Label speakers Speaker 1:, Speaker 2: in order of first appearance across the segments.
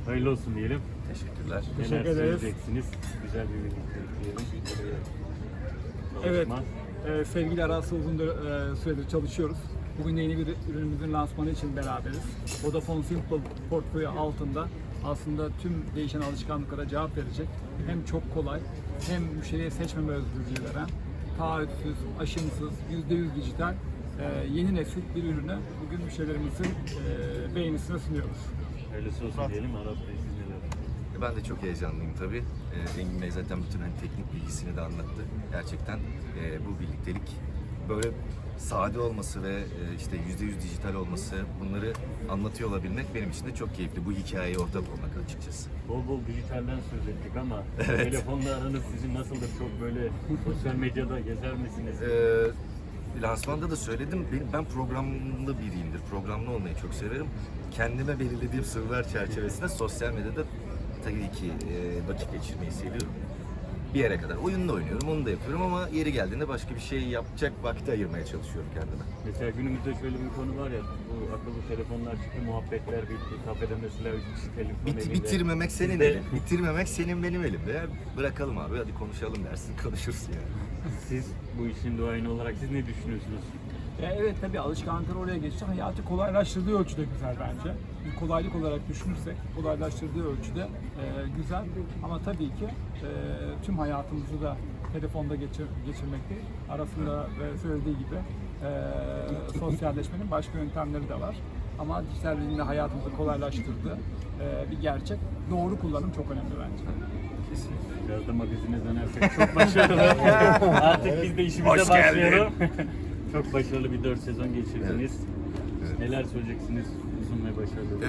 Speaker 1: Hayırlı olsun diyelim.
Speaker 2: Teşekkürler.
Speaker 1: Neler
Speaker 3: Teşekkür ederiz.
Speaker 1: söyleyeceksiniz? Güzel bir birliktelik diyelim.
Speaker 3: Evet,
Speaker 1: Çalışma.
Speaker 3: sevgili Aras'la uzun süredir çalışıyoruz. Bugün de yeni bir ürünümüzün lansmanı için beraberiz. Vodafone Simple portföyü altında aslında tüm değişen alışkanlıklara cevap verecek. Hem çok kolay, hem müşteriye seçmeme özgürlüğü veren, taahhütsüz, aşımsız, %100 dijital yeni nesil bir ürünü bugün müşterilerimizin beğenisine sunuyoruz.
Speaker 1: Hayırlısı olsun diyelim. Aras Bey siz neler?
Speaker 2: Ben de çok heyecanlıyım tabii. Engin Bey zaten bütün hani teknik bilgisini de anlattı. Gerçekten bu birliktelik böyle sade olması ve işte %100 dijital olması, bunları anlatıyor olabilmek benim için de çok keyifli. Bu hikayeye ortak olmak açıkçası.
Speaker 1: Bol bol dijitalden söz ettik ama
Speaker 2: Evet.
Speaker 1: telefonla aranız sizin nasıldır? Çok böyle sosyal medyada gezer misiniz?
Speaker 2: Lansmanda da söyledim, ben programlı biriyimdir. Programlı olmayı çok severim. Kendime belirlediğim sınırlar çerçevesinde sosyal medyada tabii ki vakit geçirmeyi seviyorum. Bir yere kadar. Oyun da oynuyorum, onu da yapıyorum ama yeri geldiğinde başka bir şey yapacak vakti ayırmaya çalışıyorum kendime.
Speaker 1: Mesela günümüzde şöyle bir konu var ya, bu akıllı telefonlar çıktı, muhabbetler bitti, kafede mesela 3 kişi telefon elinde.
Speaker 2: Bitirmemek senin
Speaker 1: Sizde-
Speaker 2: elin. Bitirmemek senin benim elimde. Ya bırakalım abi, hadi konuşalım dersin, konuşursun yani.
Speaker 1: Siz bu işin duayeni olarak siz ne düşünüyorsunuz?
Speaker 3: Evet, tabii alışkanlıklar oraya geçti. Hayatı kolaylaştırdığı ölçüde güzel bence. Bir kolaylık olarak düşünürsek kolaylaştırdığı ölçüde güzel. Ama tabii ki tüm hayatımızı da telefonda geçirmek değil. Arasında söylediği gibi sosyalleşmenin başka yöntemleri de var. Ama dijital ürünle hayatımızı kolaylaştırdığı bir gerçek. Doğru kullanım çok önemli bence.
Speaker 1: Biraz da magazine dönersek çok başarılı. Artık biz de işimize
Speaker 2: Hoş geldin.
Speaker 1: başlayalım. Çok başarılı bir 4 sezon geçirdiniz.
Speaker 2: Evet.
Speaker 1: Neler söyleyeceksiniz uzun ve başarılı?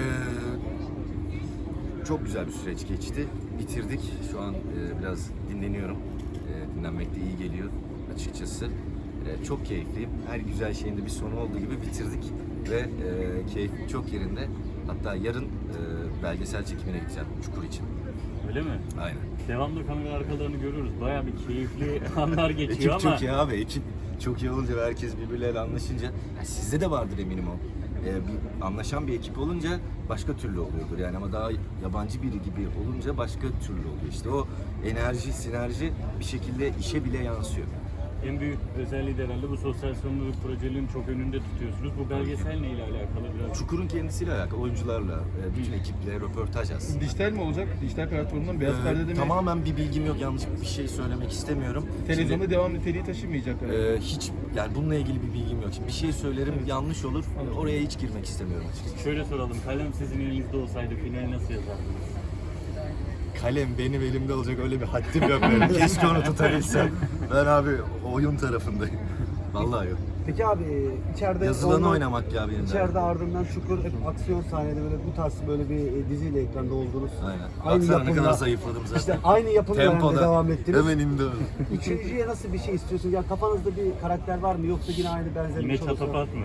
Speaker 2: Çok güzel bir süreç geçti. Bitirdik. Şu an biraz dinleniyorum. Dinlenmek de iyi geliyor açıkçası. Çok keyifliyim. Her güzel şeyin de bir sonu olduğu gibi bitirdik. Ve keyfim çok yerinde. Hatta yarın belgesel çekimine gideceğim Çukur için.
Speaker 1: Öyle mi?
Speaker 2: Aynen.
Speaker 1: Devamlı kamera arkalarını görüyoruz. Bayağı bir keyifli anlar geçiyor
Speaker 2: Ekip
Speaker 1: ama
Speaker 2: çok iyi abi. Ekip çok iyi olunca ve herkes birbirleriyle anlaşınca, yani sizde de vardır eminim o. Bir anlaşan bir ekip olunca başka türlü oluyordur yani, ama daha yabancı biri gibi olunca başka türlü oluyor. İşte o enerji, sinerji bir şekilde işe bile yansıyor.
Speaker 1: en büyük özelliği de herhalde bu sosyal sorumluluk projelerin çok önünde tutuyorsunuz. Bu belgesel neyle alakalı biraz?
Speaker 2: Çukur'un kendisiyle alakalı, oyuncularla, bütün ekiple röportaj aslında.
Speaker 4: Dijital mi olacak? Dijital platformundan beyaz perdede mi?
Speaker 2: Tamamen bir bilgim yok, yanlış bir şey söylemek istemiyorum.
Speaker 4: Televizyonda devam niteliği taşımayacak.
Speaker 2: Hiç yani bununla ilgili bir bilgim yok. Şimdi bir şey söylerim, yanlış olur. Oraya hiç girmek istemiyorum açıkçası.
Speaker 1: Şöyle soralım, kalem sizin elinizde olsaydı finali nasıl yazardınız?
Speaker 2: Kalem benim elimde olacak, öyle bir haddim yok benim. Keşke onu tutabilsem. Ben abi oyun tarafındayım. Vallahi yok.
Speaker 5: Peki abi içeride
Speaker 2: Yazılanı
Speaker 5: ondan-
Speaker 2: oynamak ya benim
Speaker 5: İçeride
Speaker 2: derdim.
Speaker 5: ardından Çukur hep aksiyon sahneleri böyle bu tarz böyle bir diziyle ekranda oldunuz.
Speaker 2: Aynen.
Speaker 5: Aynı
Speaker 2: Baksana ne
Speaker 5: yapımda-
Speaker 2: kadar zayıfladım zaten.
Speaker 5: İşte aynı yapımda yani
Speaker 2: Tempoda.
Speaker 5: devam ettiniz.
Speaker 2: Hemen indi öyle.
Speaker 5: Üçüncüye nasıl bir şey istiyorsunuz? Ya kafanızda bir karakter var mı yoksa yine aynı benzer
Speaker 1: Yine
Speaker 5: bir şey olsa?
Speaker 1: çatapat mı?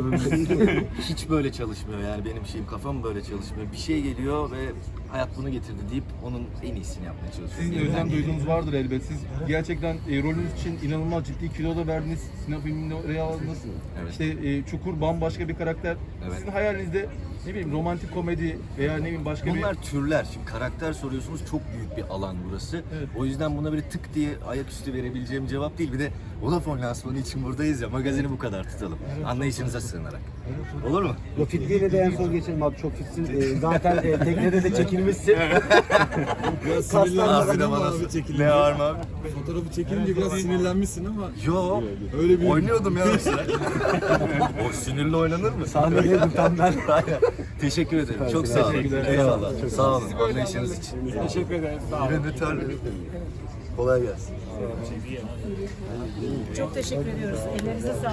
Speaker 2: Hiç böyle çalışmıyor yani, benim şeyim, kafam böyle çalışmıyor. Bir şey geliyor ve hayat bunu getirdi deyip onun en iyisini yapmaya çalışıyorum.
Speaker 4: Sizin özlem duyduğunuz vardır elbet. Siz gerçekten rolünüz için inanılmaz ciddi kilo da verdiniz. Sinema filminde oraya aldınız.
Speaker 2: Evet.
Speaker 4: İşte Çukur bambaşka bir karakter.
Speaker 2: Evet.
Speaker 4: Sizin hayalinizde ne bileyim romantik komedi veya ne bileyim başka
Speaker 2: Bunlar türler. Şimdi karakter soruyorsunuz, çok büyük bir alan burası.
Speaker 4: Evet.
Speaker 2: O yüzden buna böyle tık diye ayaküstü verebileceğim cevap değil. Bir de Vodafone lansmanı için buradayız ya, magazini bu kadar tutalım. Anlayışınıza sığınarak. Olur mu?
Speaker 5: Yo, fitliğine de en son geçelim abi, çok fitsin. Zaten teknede de çekilmişsin. Kaslar
Speaker 2: Abi de bana ne var mı abi?
Speaker 6: Fotoğrafı çekilince biraz sinirlenmişsin ama
Speaker 2: Yo,
Speaker 6: öyle bir
Speaker 2: oynuyordum ya mesela. O sinirli oynanır mı?
Speaker 5: Sahnedeydim tam ben.
Speaker 2: Aynen. Teşekkür ederim. Çok sağ olun. Eyvallah. Sağ olun. Anlayışınız için.
Speaker 3: Teşekkür ederiz. Sağ olun.
Speaker 2: Yine de terledim. Kolay gelsin.
Speaker 7: Çok teşekkür ediyoruz. Ellerinize sağlık.